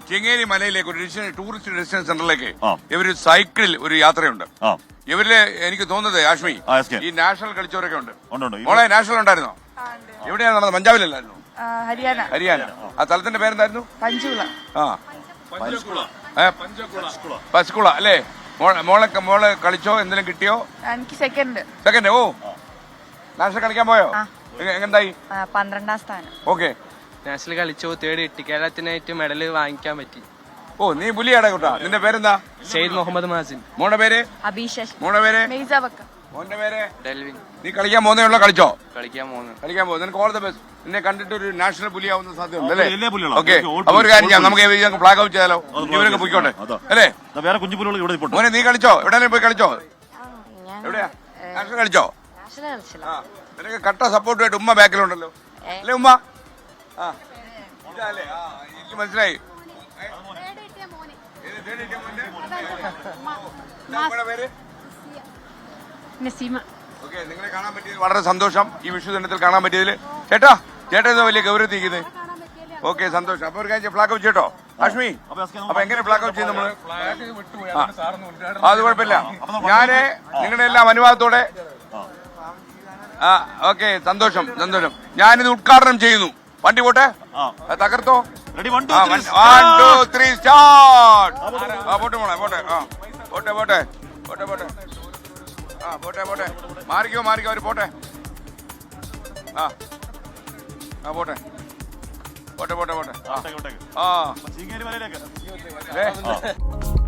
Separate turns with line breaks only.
ചെങ്ങേരി മലയിലേക്ക് ഒരു tourist destination സെന്ററിലേക്ക് ഇവര് സൈക്കിളിൽ ഒരു യാത്രയുണ്ട്. ഇവരില് എനിക്ക് തോന്നുന്നത് ആഷ്മി ഈ നാഷണൽ കളിച്ചവരൊക്കെ ഉണ്ട്. മോളെ നാഷണൽ ഉണ്ടായിരുന്നോ? എവിടെയാണ് നടന്നത്? പഞ്ചാബിലല്ലായിരുന്നു? ഹരിയാന. ആ സ്ഥലത്തിന്റെ പേരെന്തായിരുന്നു? പസ്കുള അല്ലേ? മോളെ കളിച്ചോ? എന്തെങ്കിലും കിട്ടിയോ?
എനിക്ക് സെക്കൻഡ്.
ഓ നാഷണൽ കളിക്കാൻ പോയോ? എങ്ങനെയായി?
12ാം സ്ഥാനം.
ഓക്കെ.
നാഷണൽ കളിച്ചു, തേർഡ് കിട്ടി. കേരളത്തിനായിട്ട് മെഡല് വാങ്ങിക്കാൻ പറ്റി.
ഓ നീ പുലിയാടാ കൂട്ടാ. നിന്റെ പേരെന്താ?
സെയ്ദ് മുഹമ്മദ് മാസിൻ.
മോളുടെ പേര്?
അഭിഷേക്.
മോളുടെ പേര്?
മെയ്സബക്ക.
മോന്റെ പേര്?
ഡെൽവിൻ.
നീ കളിക്കാൻ പോകുന്നേ ഉള്ളോ? കളിച്ചോ?
കളിക്കാൻ പോകുന്നു.
നിനക്ക് ഓൾ ദ ബെസ്റ്റ്. നിന്നെ കണ്ടിട്ട് ഒരു നാഷണൽ പുലിയാവുന്ന സാധ്യത അല്ലേ? ഓക്കെ. അപ്പൊ ഒരു കാര്യം ചെയ്യാം, നമുക്ക് ഫ്ലാഗ് ഔട്ട് ചെയ്താലോ? ഇവരൊക്കെ പോയിക്കോട്ടെ അല്ലേ?
വേറെ കുഞ്ഞുപുലികൾ ഇവിടെ ഇപ്പോൾ.
മോനെ നീ കളിച്ചോ? എവിടെയും പോയി കളിച്ചോ? എവിടെയാ? നാഷണൽ കളിച്ചോ? നിനക്ക് കട്ട സപ്പോർട്ടുമായിട്ട് ഉമ്മ ബാക്കിലുണ്ടല്ലോ അല്ലേ? ഉമ്മ ഇതല്ലേ? എനിക്ക് മനസ്സിലായി. ഓക്കെ. നിങ്ങളെ കാണാൻ പറ്റിയത് വളരെ സന്തോഷം. ഈ വിഷു ദിനത്തിൽ കാണാൻ പറ്റിയതിൽ ചേട്ടാ എന്താ വലിയ ഗൗരവത്തിരിക്കുന്നത്? ഓക്കെ, സന്തോഷം. അപ്പൊ ഒരു കാര്യം ഫ്ലാഗ് ഔട്ട് ചെയ്യട്ടോ ആഷ്മി. അപ്പൊ എങ്ങനെ ഫ്ലാഗ് ഔട്ട് ചെയ്യും നമ്മള്? അത് കുഴപ്പമില്ല. ഞാന് നിങ്ങളുടെ എല്ലാം അനുവാദത്തോടെ ഓക്കെ. സന്തോഷം. ഞാനിത് ഉദ്ഘാടനം ചെയ്യുന്നു. വണ്ടി പോട്ടെ, തകർത്തോ. 1 2 3 സ്റ്റാർട്ട്. പോട്ടെ മോളെ, പോട്ടെ. പോട്ടെ. മാറിക്കോ അവര് പോട്ടെ. പോട്ടെ.